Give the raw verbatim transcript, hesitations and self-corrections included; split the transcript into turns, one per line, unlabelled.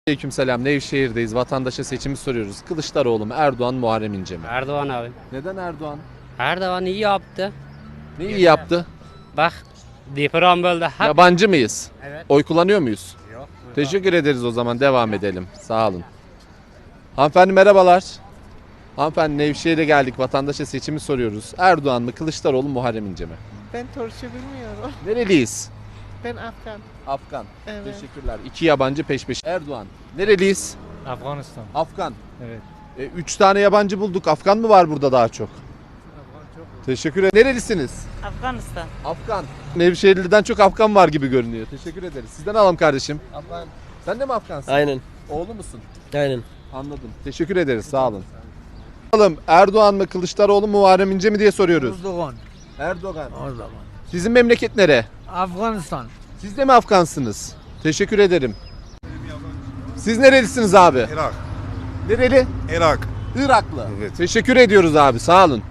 Aleykümselam. Nevşehir'deyiz. Vatandaşa seçimi soruyoruz. Kılıçdaroğlu mu, Erdoğan, Muharrem İnce mi?
Erdoğan abi.
Neden Erdoğan?
Erdoğan iyi yaptı.
Ne iyi yaptı?
Bak deprem böldü. Hep...
Yabancı mıyız?
Evet.
Oy kullanıyor muyuz?
Yok.
Teşekkür ederiz o zaman. Devam edelim. Sağ olun. Hanımefendi merhabalar. Hanımefendi Nevşehir'e geldik. Vatandaşa seçimi soruyoruz. Erdoğan mı, Kılıçdaroğlu mu, Muharrem İnce mi?
Ben Türkçe bilmiyorum.
Nereliyiz?
Ben Afgan.
Afgan.
Evet.
Teşekkürler. İki yabancı peş peşe. Erdoğan. Nereliyiz?
Afganistan.
Afgan.
Evet.
E, üç tane yabancı bulduk. Afgan mı var burada daha çok? Teşekkür ederim. Nerelisiniz?
Afganistan.
Afgan. Nevşehirli'den çok Afgan var gibi görünüyor. Teşekkür ederiz. Sizden alalım kardeşim.
Afgan.
Sen de mi Afgansın?
Aynen.
Oğlu musun?
Aynen.
Anladım. Teşekkür ederiz. Sağ olun. Bakalım Erdoğan mı, Kılıçdaroğlu mu, Muharrem İnce mi diye soruyoruz.
Erdoğan.
Erdoğan.
Erdoğan.
Sizin memleket nere?
Afganistan.
Siz de mi Afgansınız? Teşekkür ederim. Siz nerelisiniz abi?
Irak.
Nereli?
Irak.
Iraklı.
Evet.
Teşekkür ediyoruz abi. Sağ olun.